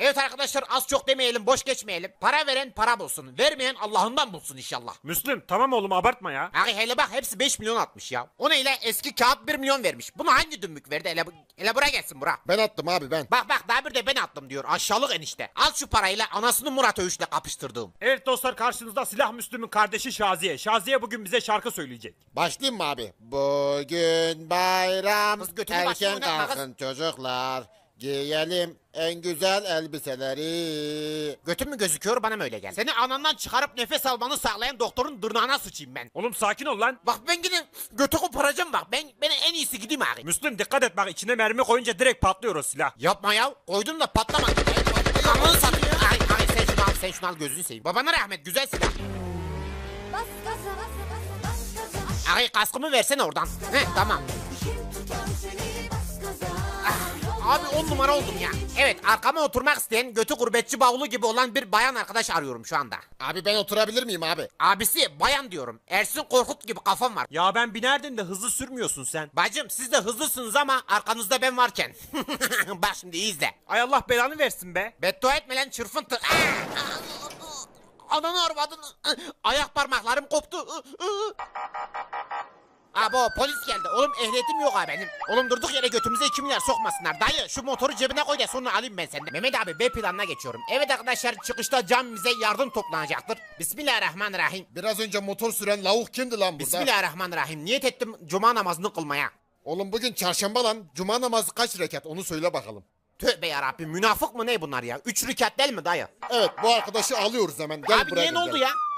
Evet arkadaşlar, az çok demeyelim, boş geçmeyelim. Para veren para bulsun. Vermeyen Allah'ından bulsun inşallah. Müslüm tamam oğlum abartma ya. Abi hele bak, hepsi 5 milyon atmış ya. O neyle? Eski kağıt 1 milyon vermiş. Bunu hangi dümbük verdi? Hele buraya gelsin bura. Ben attım abi ben. Bak daha bir de ben attım diyor. Aşağılık enişte. Al şu parayla anasını Murat Övüş'le kapıştırdığım. Evet dostlar, karşınızda Silah Müslüm'ün kardeşi Şaziye. Şaziye bugün bize şarkı söyleyecek. Başlayayım mı abi? Bugün bayram. Kız götünü Erken başına oynatma kız. kalkın çocuklar. Giyelim en güzel elbiseleri. Götün mü gözüküyor, bana mı öyle geldi? Seni anandan çıkarıp nefes almanı sağlayan doktorun dırnağına sıçayım ben. Oğlum sakin ol lan. Bak ben gidin götü koparacağım bak. Ben en iyisi gideyim abi. Müslüm dikkat et bak, içine mermi koyunca direkt patlıyor o silah. Yapma ya. Koydum da patlamadı. Ananı satayım. Ay sen şunu al gözünü seveyim. Babana rahmet, güzel silah. Bas gaza, bas gaza, bas gaza. Ay kaskımı versene oradan. Heh tamam. İşim tutar seni, bas gaza. Abi 10 numara oldum ya. Evet, arkama oturmak isteyen götü gurbetçi bavulu gibi olan bir bayan arkadaş arıyorum şu anda. Abi ben oturabilir miyim abi? Abisi bayan diyorum. Ersin Korkut gibi kafam var. Ya ben binerdim de hızlı sürmüyorsun sen. Bacım siz de hızlısınız ama arkanızda ben varken. Bak şimdi iyi izle. Ay Allah belanı versin be. Beddua etme lan çırpıntı. Ananı arvadını. Ayak parmaklarım koptu. Abo polis geldi. Oğlum ehliyetim yok ha benim. Oğlum durduk yere götümüze 2 milyar sokmasınlar. Dayı şu motoru cebine koy da sonra alayım ben senden. Mehmet abi B planına geçiyorum. Evet arkadaşlar, çıkışta camimize yardım toplanacaktır. Bismillahirrahmanirrahim. Biraz önce motor süren lavuk kimdi lan burada? Bismillahirrahmanirrahim. Niyet ettim cuma namazını kılmaya. Oğlum bugün çarşamba lan. Cuma namazı kaç rekat onu söyle bakalım. Tövbe yarabbim, münafık mı ne bunlar ya? 3 rekat değil mi dayı? Evet, bu arkadaşı alıyoruz hemen. Gel Abi buraya niye ne gel. oldu ya?